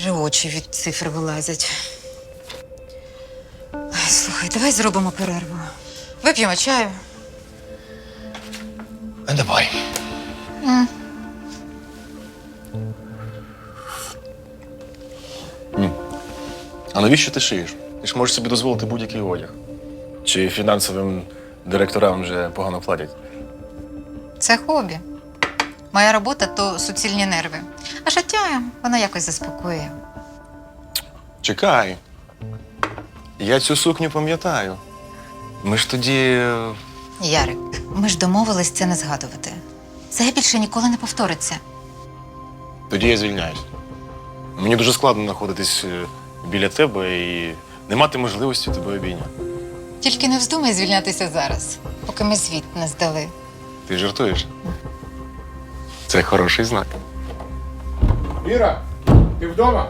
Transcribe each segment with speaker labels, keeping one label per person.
Speaker 1: вже очі від цифр вилазять. Слухай, давай зробимо перерву. Вип'ємо чаю.
Speaker 2: Давай. А навіщо ти шиєш? Ти ж можеш собі дозволити будь-який одяг. Чи фінансовим директорам вже погано платять?
Speaker 1: Це хобі. Моя робота то суцільні нерви. А життя, воно якось заспокоює.
Speaker 2: Чекай. Я цю сукню пам'ятаю. Ми ж тоді.
Speaker 1: Ярик, ми ж домовились це не згадувати. Це більше ніколи не повториться.
Speaker 2: Тоді я звільняюсь. Мені дуже складно знаходитись біля тебе і не мати можливості тебе обійняти.
Speaker 1: Тільки не вздумай звільнятися зараз, поки ми звіт не здали.
Speaker 2: Ти жартуєш? Це хороший знак.
Speaker 3: Віра, ти вдома?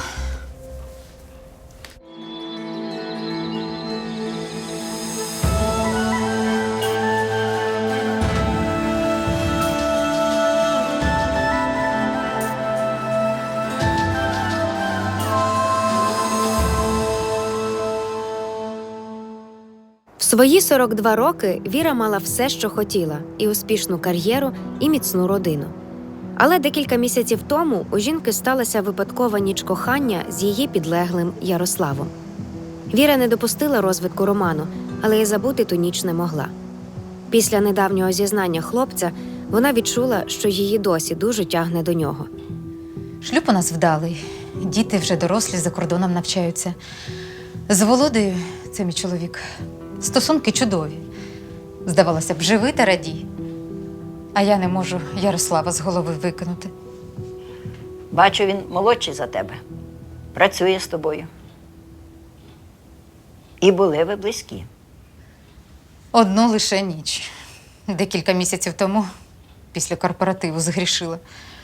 Speaker 4: В свої 42 роки Віра мала все, що хотіла – і успішну кар'єру, і міцну родину. Але декілька місяців тому у жінки сталася випадкова ніч кохання з її підлеглим Ярославом. Віра не допустила розвитку роману, але й забути ту ніч не могла. Після недавнього зізнання хлопця вона відчула, що її досі дуже тягне до нього.
Speaker 1: Шлюб у нас вдалий. Діти вже дорослі, за кордоном навчаються. З Володею, це мій чоловік, стосунки чудові. Здавалося б, живи та радій. А я не можу Ярослава з голови викинути.
Speaker 5: Бачу, він молодший за тебе. Працює з тобою. І були ви близькі.
Speaker 1: Одну лише ніч. Декілька місяців тому, після корпоративу, згрішила.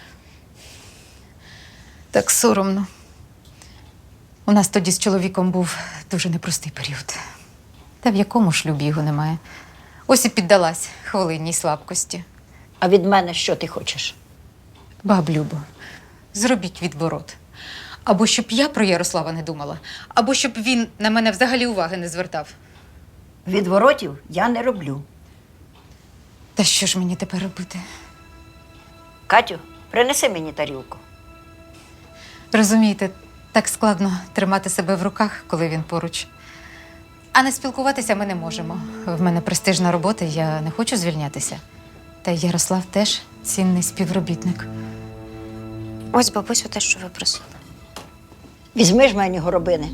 Speaker 1: Так соромно. У нас тоді з чоловіком був дуже непростий період. Та в якому шлюбі його немає. Ось і піддалась хвилинній слабкості.
Speaker 5: А від мене що ти хочеш?
Speaker 1: Баб Любо, зробіть відворот. Або щоб я про Ярослава не думала, або щоб він на мене взагалі уваги не звертав.
Speaker 5: Відворотів я не роблю.
Speaker 1: Та що ж мені тепер робити?
Speaker 5: Катю, принеси мені тарілку.
Speaker 1: Розумієте, так складно тримати себе в руках, коли він поруч. А не спілкуватися ми не можемо. В мене престижна робота, я не хочу звільнятися. Та й Ярослав теж цінний співробітник.
Speaker 4: Ось, бабусю, те, що ви просили.
Speaker 5: Візьми ж мені горобини.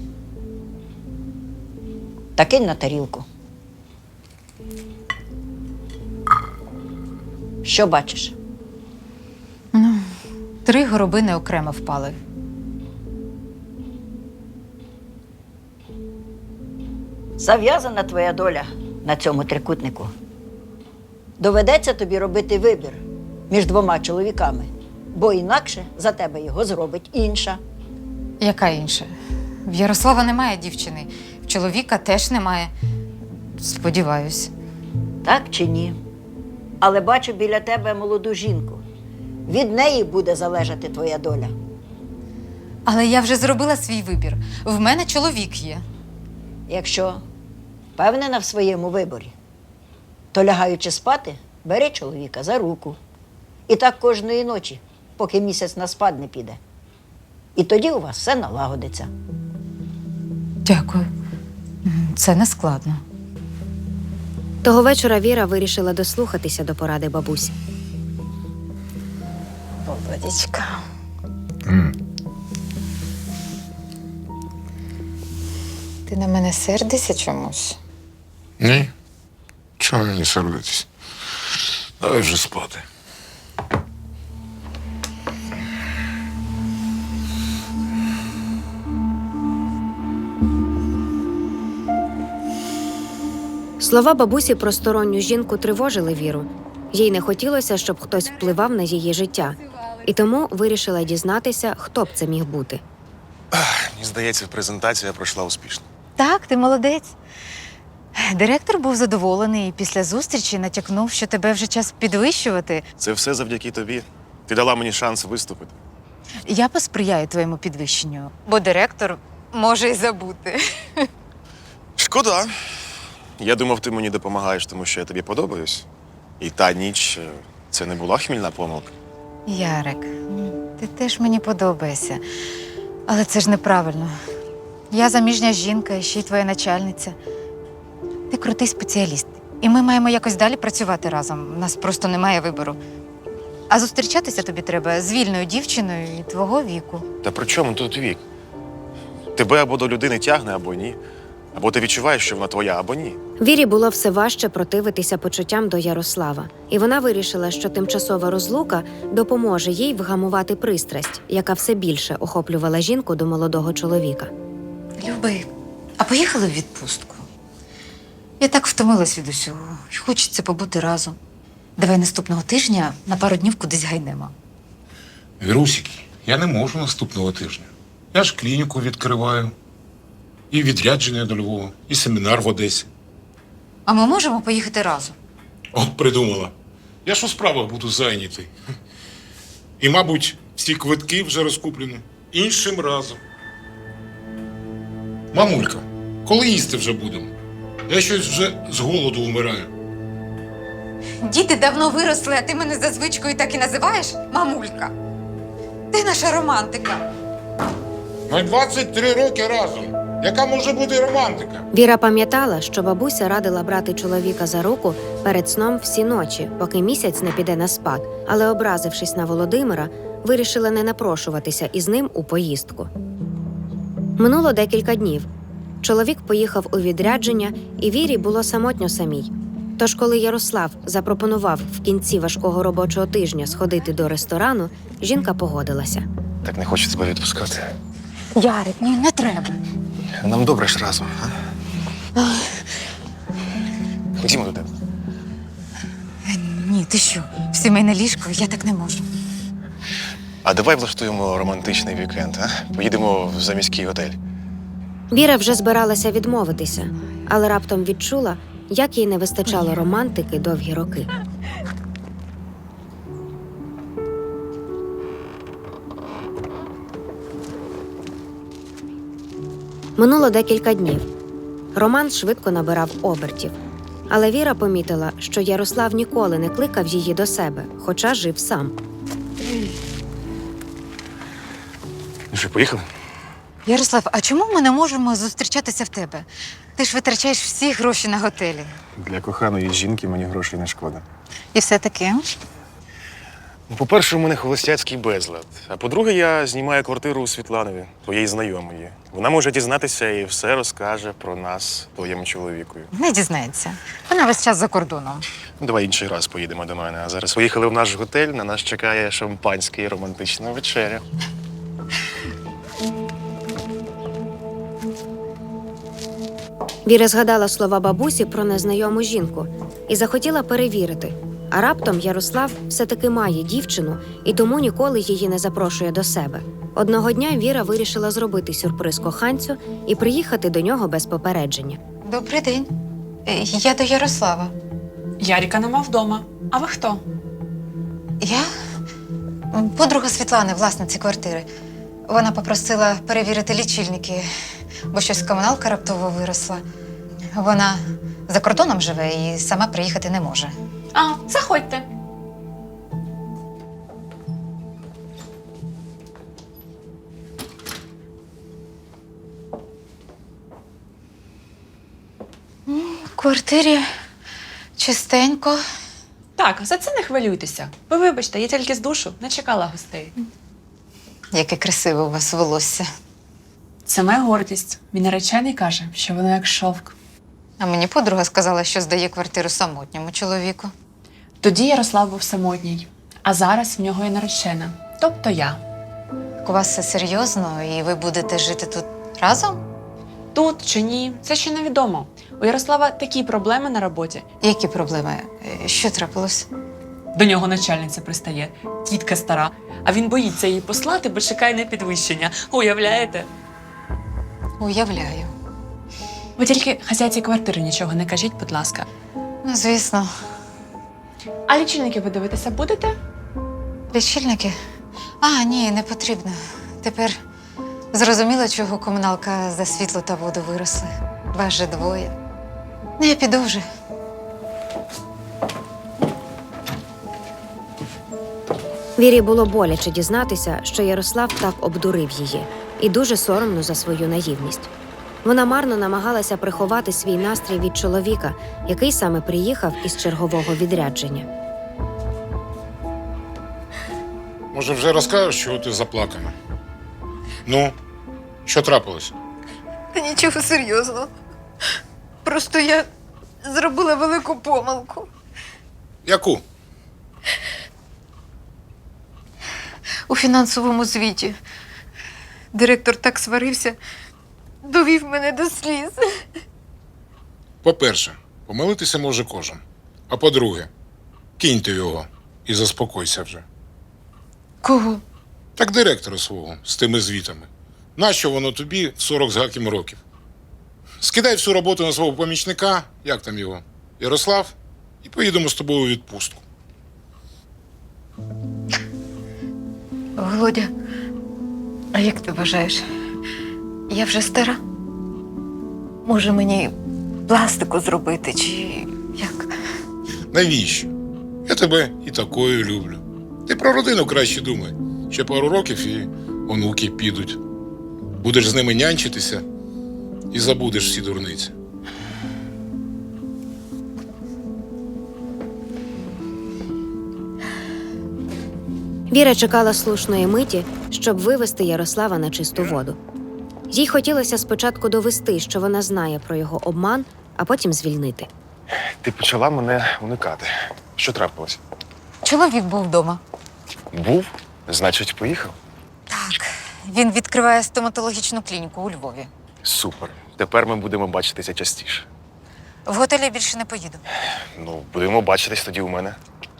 Speaker 5: Та кинь на тарілку. Що бачиш?
Speaker 1: 3 горобини окремо впали.
Speaker 5: Зав'язана твоя доля на цьому трикутнику. Доведеться тобі робити вибір між 2 чоловіками, бо інакше за тебе його зробить інша.
Speaker 1: Яка інша? В Ярослава немає дівчини, в чоловіка теж немає. Сподіваюсь.
Speaker 5: Так чи ні? Але бачу біля тебе молоду жінку. Від неї буде залежати твоя доля.
Speaker 1: Але я вже зробила свій вибір. В мене чоловік є.
Speaker 5: Якщо впевнена в своєму виборі, то лягаючи спати, бери чоловіка за руку. І так кожної ночі, поки місяць на спад не піде. І тоді у вас все налагодиться.
Speaker 1: Дякую. Це не складно.
Speaker 4: Того вечора Віра вирішила дослухатися до поради бабусі.
Speaker 1: Володечка. Ти на мене сердишся чомусь?
Speaker 3: Ні. Чого мені сердитись? Давай вже спати.
Speaker 4: Слова бабусі про сторонню жінку тривожили Віру. Їй не хотілося, щоб хтось впливав на її життя. І тому вирішила дізнатися, хто б це міг бути.
Speaker 2: Мені здається, презентація пройшла успішно.
Speaker 1: Так, ти молодець. Директор був задоволений і після зустрічі натякнув, що тебе вже час підвищувати.
Speaker 2: Це все завдяки тобі. Ти дала мені шанс виступити.
Speaker 1: Я посприяю твоєму підвищенню, бо директор може й забути.
Speaker 2: Шкода. Я думав, ти мені допомагаєш, тому що я тобі подобаюсь. І та ніч це не була хмільна помилка.
Speaker 1: Ярик, ти теж мені подобаєшся. Але це ж неправильно. Я заміжня жінка, і ще й твоя начальниця. Ти крутий спеціаліст. І ми маємо якось далі працювати разом. У нас просто немає вибору. А зустрічатися тобі треба з вільною дівчиною і твого віку.
Speaker 2: Та при чому тут вік? Тебе або до людини тягне, або ні. Або ти відчуваєш, що вона твоя, або ні.
Speaker 4: Вірі було все важче противитися почуттям до Ярослава, і вона вирішила, що тимчасова розлука допоможе їй вгамувати пристрасть, яка все більше охоплювала жінку до молодого чоловіка.
Speaker 1: Люби, а поїхали в відпустку? Я так втомилась від усього. І хочеться побути разом. Давай наступного тижня на пару днів кудись гайнемо.
Speaker 3: Вірусики, я не можу наступного тижня. Я ж клініку відкриваю. І відрядження до Львова, і семінар в Одесі.
Speaker 1: А ми можемо поїхати разом?
Speaker 3: От придумала. Я ж у справах буду зайнятий. І, мабуть, всі квитки вже розкуплені. Іншим разом. Мамулька, коли їсти вже будемо? Я щось вже з голоду вмираю.
Speaker 1: Діти давно виросли, а ти мене за звичкою так і називаєш мамулька. Ти наша романтика.
Speaker 3: Ми 23 роки разом. Яка може бути романтика?
Speaker 4: Віра пам'ятала, що бабуся радила брати чоловіка за руку перед сном всі ночі, поки місяць не піде на спад, але, образившись на Володимира, вирішила не напрошуватися із ним у поїздку. Минуло декілька днів. Чоловік поїхав у відрядження, і Вірі було самотньо самій. Тож, коли Ярослав запропонував в кінці важкого робочого тижня сходити до ресторану, жінка погодилася.
Speaker 2: Так не хочу тебе відпускати.
Speaker 1: Ярик, ні, не треба.
Speaker 2: Нам добре ж разом, а? Ходімо до тебе.
Speaker 1: Ні, ти що? В сімейне ліжко я так не можу.
Speaker 2: А давай влаштуємо романтичний вікенд, а? Поїдемо в заміський готель.
Speaker 4: Віра вже збиралася відмовитися, але раптом відчула, як їй не вистачало романтики довгі роки. Минуло декілька днів. Роман швидко набирав обертів. Але Віра помітила, що Ярослав ніколи не кликав її до себе, хоча жив сам.
Speaker 2: Ну що, поїхали?
Speaker 1: Ярослав, а чому ми не можемо зустрічатися в тебе? Ти ж витрачаєш всі гроші на готелі.
Speaker 2: Для коханої жінки мені грошей не шкода.
Speaker 1: І все таке.
Speaker 2: Ну, по-перше, у мене холостяцький безлад. А по-друге, я знімаю квартиру у Світланові, твоєї знайомої. Вона може дізнатися і все розкаже про нас твоєму чоловікові.
Speaker 1: Не дізнається. Вона весь час за кордоном.
Speaker 2: Ну, давай інший раз поїдемо до мене. А зараз поїхали в наш готель, на нас чекає шампанське і романтична вечеря.
Speaker 4: Віра згадала слова бабусі про незнайому жінку і захотіла перевірити. А раптом Ярослав все-таки має дівчину і тому ніколи її не запрошує до себе. Одного дня Віра вирішила зробити сюрприз коханцю і приїхати до нього без попередження.
Speaker 1: Добрий день. Я до Ярослава.
Speaker 6: Яріка нема вдома. А ви хто?
Speaker 1: Я? Подруга Світлани, власниці квартири. Вона попросила перевірити лічильники, бо щось комуналка раптово виросла. Вона за кордоном живе і сама приїхати не може.
Speaker 6: А, заходьте.
Speaker 1: В квартирі чистенько.
Speaker 6: Так, за це не хвилюйтеся. Ви вибачте, я тільки з душу не чекала гостей.
Speaker 1: Яке красиве у вас волосся.
Speaker 6: Це моя гордість. Мій наречений каже, що воно як шовк.
Speaker 1: А мені подруга сказала, що здає квартиру самотньому чоловіку.
Speaker 6: Тоді Ярослав був самотній, а зараз в нього є наречена, тобто я.
Speaker 1: У вас все серйозно, і ви будете жити тут разом?
Speaker 6: Тут чи ні, це ще невідомо. У Ярослава такі проблеми на роботі.
Speaker 1: Які проблеми? Що трапилось?
Speaker 6: До нього начальниця пристає, тітка стара, а він боїться її послати, бо чекає на підвищення. Уявляєте?
Speaker 1: Уявляю.
Speaker 6: Ви тільки хазяйці квартири нічого не кажіть, будь ласка.
Speaker 1: Ну, звісно.
Speaker 6: А лічильники ви дивитися будете?
Speaker 1: Лічильники? А, ні, не потрібно. Тепер зрозуміло, чого комуналка за світло та воду виросли. Вас же двоє. Ну, я піду вже.
Speaker 4: Вірі було боляче дізнатися, що Ярослав так обдурив її, і дуже соромно за свою наївність. Вона марно намагалася приховати свій настрій від чоловіка, який саме приїхав із чергового відрядження.
Speaker 3: Може, вже розкажеш, чого ти заплакана? Ну, що трапилось?
Speaker 1: Та нічого серйозного. Просто я зробила велику помилку.
Speaker 3: Яку?
Speaker 1: У фінансовому звіті. Директор так сварився, довів мене до сліз.
Speaker 3: По-перше, помилитися може кожен. А по-друге, киньте його і заспокойся вже.
Speaker 1: Кого?
Speaker 3: Так директора свого з тими звітами. Нащо воно тобі в 40 з гаким років? Скидай всю роботу на свого помічника, як там його, Ярослав, і поїдемо з тобою у відпустку.
Speaker 1: Володя, а як ти вважаєш? Я вже стара? Може мені пластику зробити, чи як?
Speaker 3: Навіщо? Я тебе і такою люблю. Ти про родину краще думай. Ще пару років і онуки підуть. Будеш з ними нянчитися і забудеш всі дурниці.
Speaker 4: Віра чекала слушної миті, щоб вивести Ярослава на чисту воду. Їй хотілося спочатку довести, що вона знає про його обман, а потім звільнити.
Speaker 2: Ти почала мене уникати. Що трапилось?
Speaker 1: Чоловік був вдома.
Speaker 2: Був, значить, поїхав.
Speaker 1: Так, він відкриває стоматологічну клініку у Львові.
Speaker 2: Супер. Тепер ми будемо бачитися частіше.
Speaker 1: В готелі більше не поїду.
Speaker 2: Ну, будемо бачитись тоді у мене.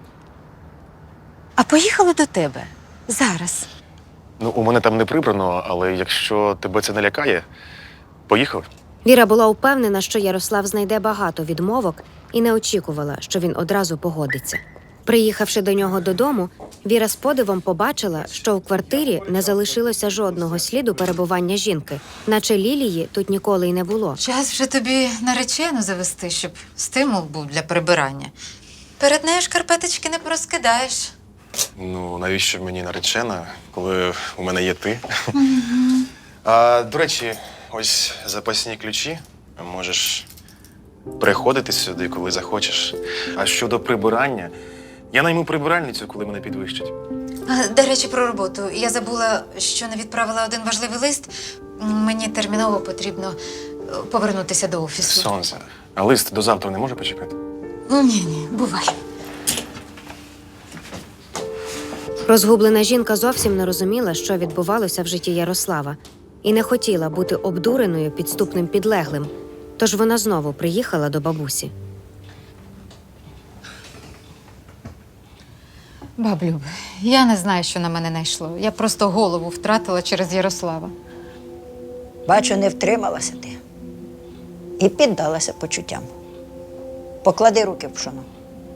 Speaker 1: А поїхали до тебе. Зараз.
Speaker 2: Ну, у мене там не прибрано, але якщо тебе це не лякає, поїхали.
Speaker 4: Віра була упевнена, що Ярослав знайде багато відмовок і не очікувала, що він одразу погодиться. Приїхавши до нього додому, Віра з подивом побачила, що у квартирі не залишилося жодного сліду перебування жінки, наче Лілії тут ніколи й не було.
Speaker 1: Час вже тобі наречену завести, щоб стимул був для прибирання. Перед нею шкарпеточки не порозкидаєш.
Speaker 2: Ну, навіщо мені наречена, коли у мене є ти? До речі, ось запасні ключі. Можеш приходити сюди, коли захочеш. А щодо прибирання, я найму прибиральницю, коли мене підвищать.
Speaker 1: До речі, про роботу. Я забула, що не відправила один важливий лист. Мені терміново потрібно повернутися до офісу.
Speaker 2: Сонце. А лист до завтра не може почекати?
Speaker 1: Ні, бувай.
Speaker 4: Розгублена жінка зовсім не розуміла, що відбувалося в житті Ярослава, і не хотіла бути обдуреною підступним підлеглим, тож вона знову приїхала до бабусі.
Speaker 1: Баблюб, я не знаю, що на мене найшло. Я просто голову втратила через Ярослава.
Speaker 5: Бачу, не втрималася ти. І піддалася почуттям. Поклади руки в пшоно.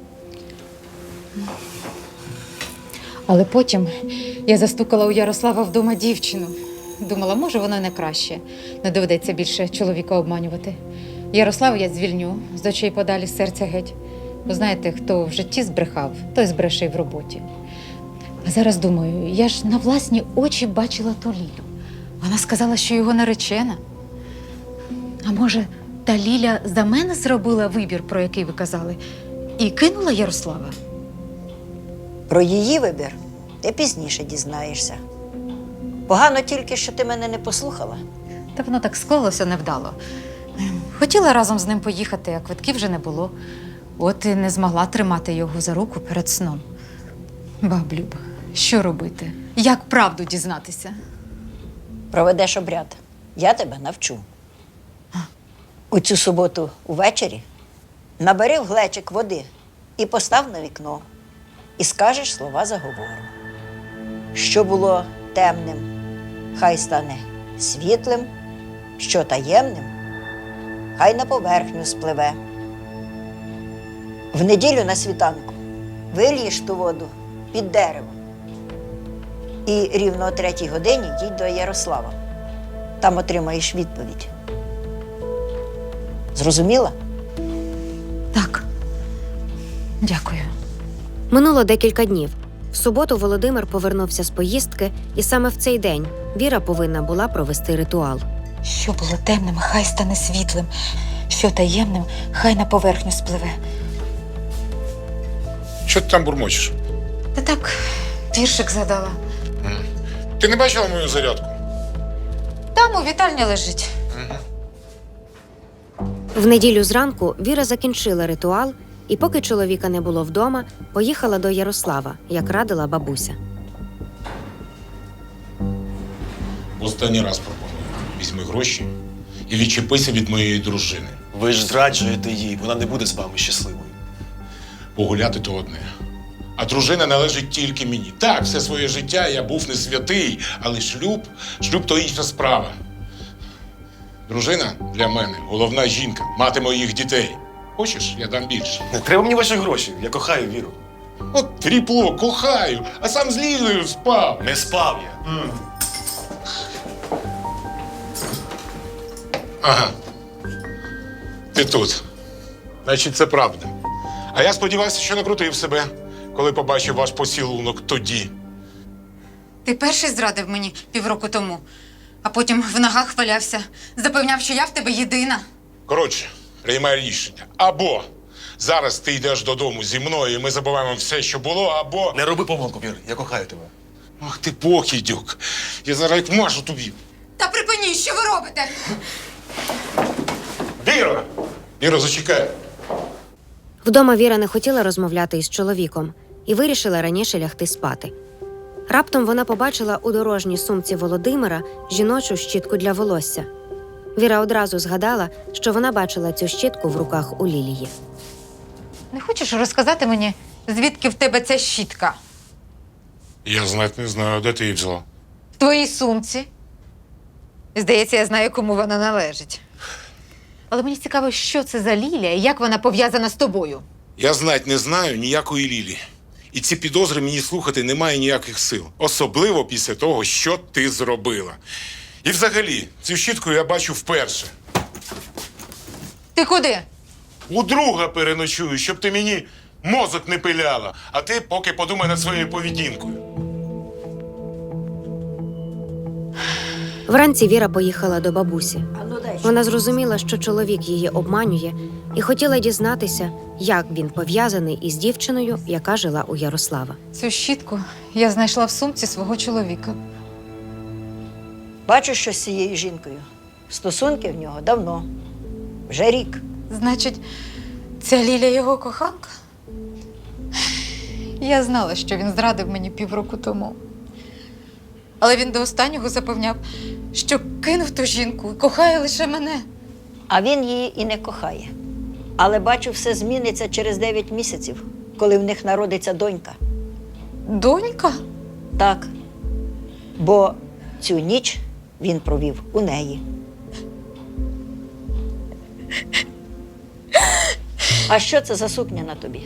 Speaker 1: Але потім я застукала у Ярослава вдома дівчину. Думала, може, воно не краще. Не доведеться більше чоловіка обманювати. Ярослава я звільню, з очей подалі, з серця геть. Бо знаєте, хто в житті збрехав, той збреше й в роботі. А зараз думаю, я ж на власні очі бачила ту Лілю. Вона сказала, що його наречена. А може, та Ліля за мене зробила вибір, про який ви казали, і кинула Ярослава?
Speaker 5: Про її вибір ти пізніше дізнаєшся. Погано тільки, що ти мене не послухала.
Speaker 1: Та воно так склалося невдало. Хотіла разом з ним поїхати, а квитків вже не було. От і не змогла тримати його за руку перед сном. Баблюб, що робити? Як правду дізнатися?
Speaker 5: Проведеш обряд. Я тебе навчу. У цю суботу увечері набери в глечик води і постав на вікно. І скажеш слова заговору. Що було темним, хай стане світлим, що таємним, хай на поверхню спливе. В неділю на світанку вилієш ту воду під дерево. І рівно о 3-й годині їдь до Ярослава. Там отримаєш відповідь. Зрозуміла?
Speaker 1: Так. Дякую.
Speaker 4: Минуло декілька днів. В суботу Володимир повернувся з поїздки, і саме в цей день Віра повинна була провести ритуал.
Speaker 1: Що було темним, хай стане світлим. Що таємним, хай на поверхню спливе.
Speaker 3: Що ти там бурмочеш?
Speaker 1: Та так, віршик задала.
Speaker 3: Ти не бачила мою зарядку?
Speaker 1: Там у вітальні лежить.
Speaker 4: В неділю зранку Віра закінчила ритуал, і поки чоловіка не було вдома, поїхала до Ярослава, як радила бабуся.
Speaker 3: Останній раз пропоную. Візьми гроші і відчепися від моєї дружини.
Speaker 2: Ви ж зраджуєте їй, вона не буде з вами щасливою.
Speaker 3: Погуляти то одне. А дружина належить тільки мені. Так, все своє життя я був не святий, але шлюб то інша справа. Дружина для мене головна жінка, мати моїх дітей. Хочеш, я дам більше.
Speaker 2: Не треба мені ваші гроші, я кохаю Віру.
Speaker 3: От тріпло, кохаю, а сам з Лілею спав.
Speaker 2: Не спав я.
Speaker 3: Ага. Ти тут. Значить, це правда. А я сподівався, що накрутив себе, коли побачив ваш поцілунок тоді.
Speaker 1: Ти перший зрадив мені півроку тому, а потім в ногах валявся, запевняв, що я в тебе єдина.
Speaker 3: Коротше, приймай рішення. Або зараз ти йдеш додому зі мною, і ми забуваємо все, що було, або...
Speaker 2: Не роби помилку, Вір, я кохаю тебе.
Speaker 3: Ах ти покидьок. Я зараз як мажу тобі.
Speaker 1: Та припиніть, що ви робите?
Speaker 3: Віра! Віра, зачекай.
Speaker 4: Вдома Віра не хотіла розмовляти із чоловіком і вирішила раніше лягти спати. Раптом вона побачила у дорожній сумці Володимира жіночу щітку для волосся. Віра одразу згадала, що вона бачила цю щітку в руках у Лілії.
Speaker 1: Не хочеш розказати мені, звідки в тебе ця щітка?
Speaker 3: Я знать не знаю, де ти її взяла.
Speaker 1: В твоїй сумці. Здається, я знаю, кому вона належить. Але мені цікаво, що це за Лілія і як вона пов'язана з тобою.
Speaker 3: Я знать не знаю ніякої Лілі. І ці підозри мені слухати немає ніяких сил. Особливо після того, що ти зробила. І взагалі, цю щітку я бачу вперше.
Speaker 1: Ти куди?
Speaker 3: У друга переночую, щоб ти мені мозок не пиляла. А ти поки подумай над своєю поведінкою.
Speaker 4: Вранці Віра поїхала до бабусі.
Speaker 5: А ну дай.
Speaker 4: Вона зрозуміла, що чоловік її обманює, і хотіла дізнатися, як він пов'язаний із дівчиною, яка жила у Ярослава.
Speaker 1: Цю щітку я знайшла в сумці свого чоловіка.
Speaker 5: Бачу, що з цією жінкою. Стосунки в нього давно. Вже рік.
Speaker 1: Значить, ця Ліля його коханка? Я знала, що він зрадив мені півроку тому. Але він до останнього запевняв, що кинув ту жінку і кохає лише мене.
Speaker 5: А він її і не кохає. Але бачу, все зміниться через 9 місяців, коли в них народиться донька.
Speaker 1: Донька?
Speaker 5: Так. Бо цю ніч він провів у неї. А що це за сукня на тобі?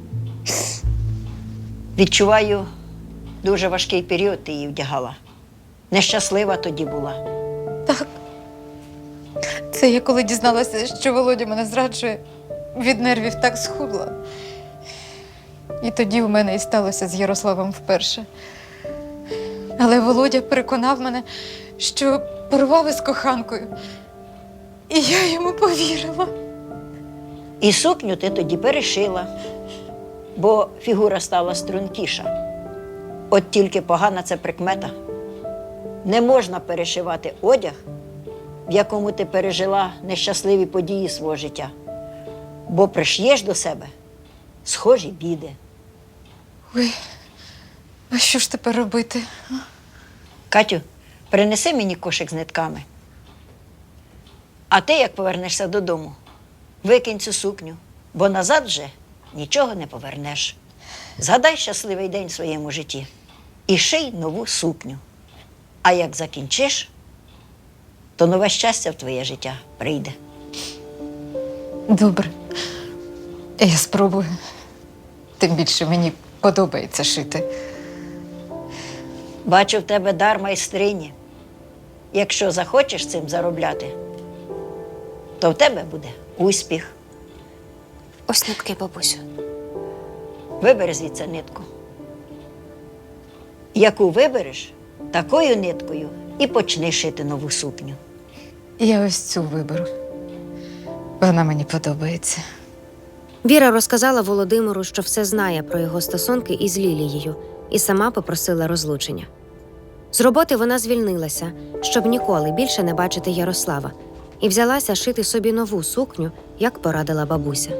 Speaker 5: Відчуваю, дуже важкий період ти її вдягала. Нещаслива тоді була.
Speaker 1: Так. Це я коли дізналася, що Володя мене зраджує, від нервів так схудла. І тоді в мене і сталося з Ярославом вперше. Але Володя переконав мене, що порвав із коханкою. І я йому повірила.
Speaker 5: І сукню ти тоді перешила, бо фігура стала стрункіша. От тільки погана це прикмета. Не можна перешивати одяг, в якому ти пережила нещасливі події свого життя. Бо приш'єш до себе схожі біди.
Speaker 1: Ой, а що ж тепер робити?
Speaker 5: Катю, принеси мені кошик з нитками. А ти, як повернешся додому, викинь цю сукню, бо назад вже нічого не повернеш. Згадай щасливий день в своєму житті і ший нову сукню. А як закінчиш, то нове щастя в твоє життя прийде.
Speaker 1: Добре. Я спробую. Тим більше мені подобається шити.
Speaker 5: Бачу в тебе дар майстрині. Якщо захочеш цим заробляти, то в тебе буде успіх.
Speaker 4: Ось нитки, бабусю.
Speaker 5: Вибери звідси нитку. Яку вибереш, такою ниткою і почни шити нову сукню.
Speaker 1: Я ось цю виберу. Вона мені подобається.
Speaker 4: Віра розказала Володимиру, що все знає про його стосунки із Лілією, і сама попросила розлучення. З роботи вона звільнилася, щоб ніколи більше не бачити Ярослава, і взялася шити собі нову сукню, як порадила бабуся.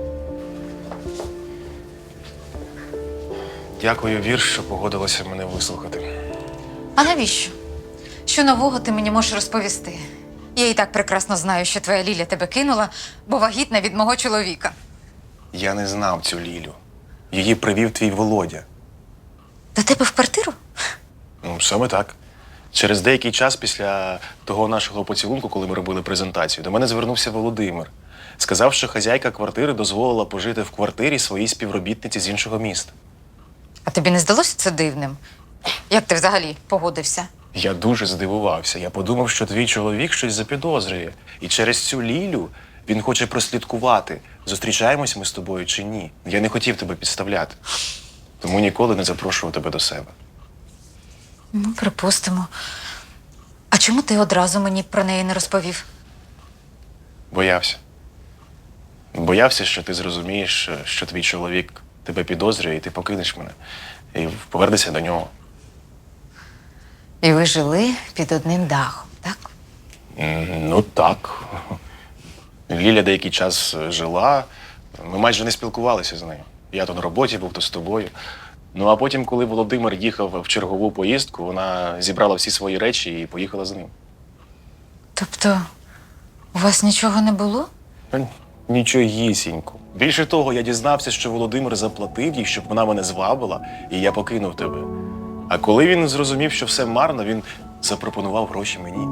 Speaker 2: Дякую, Вір, що погодилася мене вислухати.
Speaker 1: А навіщо? Що нового ти мені можеш розповісти? Я і так прекрасно знаю, що твоя Ліля тебе кинула, бо вагітна від мого чоловіка.
Speaker 2: Я не знав цю Лілю. Її привів твій Володя.
Speaker 1: До тебе в квартиру?
Speaker 2: Ну, саме так. Через деякий час після того нашого поцілунку, коли ми робили презентацію, до мене звернувся Володимир. Сказав, що хазяйка квартири дозволила пожити в квартирі своїй співробітниці з іншого міста.
Speaker 1: А тобі не здалося це дивним? Як ти взагалі погодився?
Speaker 2: Я дуже здивувався. Я подумав, що твій чоловік щось запідозрює. І через цю Лілю він хоче прослідкувати, зустрічаємось ми з тобою чи ні. Я не хотів тебе підставляти. Тому ніколи не запрошував тебе до себе.
Speaker 1: Ну, припустимо. А чому ти одразу мені про неї не розповів?
Speaker 2: Боявся. Боявся, що ти зрозумієш, що твій чоловік тебе підозрює, і ти покинеш мене. І повернешся до нього.
Speaker 1: І ви жили під одним дахом, так?
Speaker 2: Ну так. Ліля деякий час жила, ми майже не спілкувалися з нею. Я то на роботі був, то з тобою. Ну а потім, коли Володимир їхав в чергову поїздку, вона зібрала всі свої речі і поїхала з ним.
Speaker 1: Тобто, у вас нічого не було?
Speaker 2: Нічогісінько. Більше того, я дізнався, що Володимир заплатив їй, щоб вона мене звабила, і я покинув тебе. А коли він зрозумів, що все марно, він запропонував гроші мені.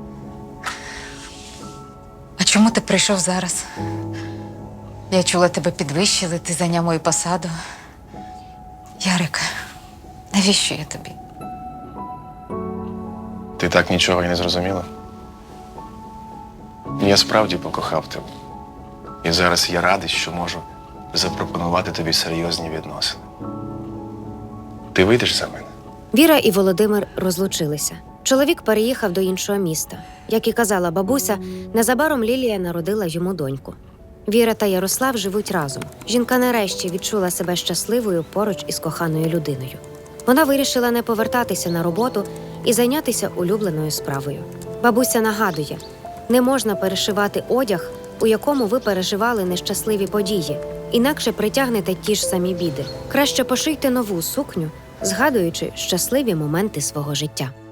Speaker 1: А чому ти прийшов зараз? Я чула, тебе підвищили, ти зайняв мою посаду. Ярик, навіщо я тобі?
Speaker 2: Ти так нічого і не зрозуміла? Я справді покохав тебе. І зараз я радий, що можу запропонувати тобі серйозні відносини. Ти вийдеш за мене?
Speaker 4: Віра і Володимир розлучилися. Чоловік переїхав до іншого міста. Як і казала бабуся, незабаром Лілія народила йому доньку. Віра та Ярослав живуть разом. Жінка нарешті відчула себе щасливою поруч із коханою людиною. Вона вирішила не повертатися на роботу і зайнятися улюбленою справою. Бабуся нагадує, не можна перешивати одяг, у якому ви переживали нещасливі події, інакше притягнете ті ж самі біди. Краще пошийте нову сукню, згадуючи щасливі моменти свого життя.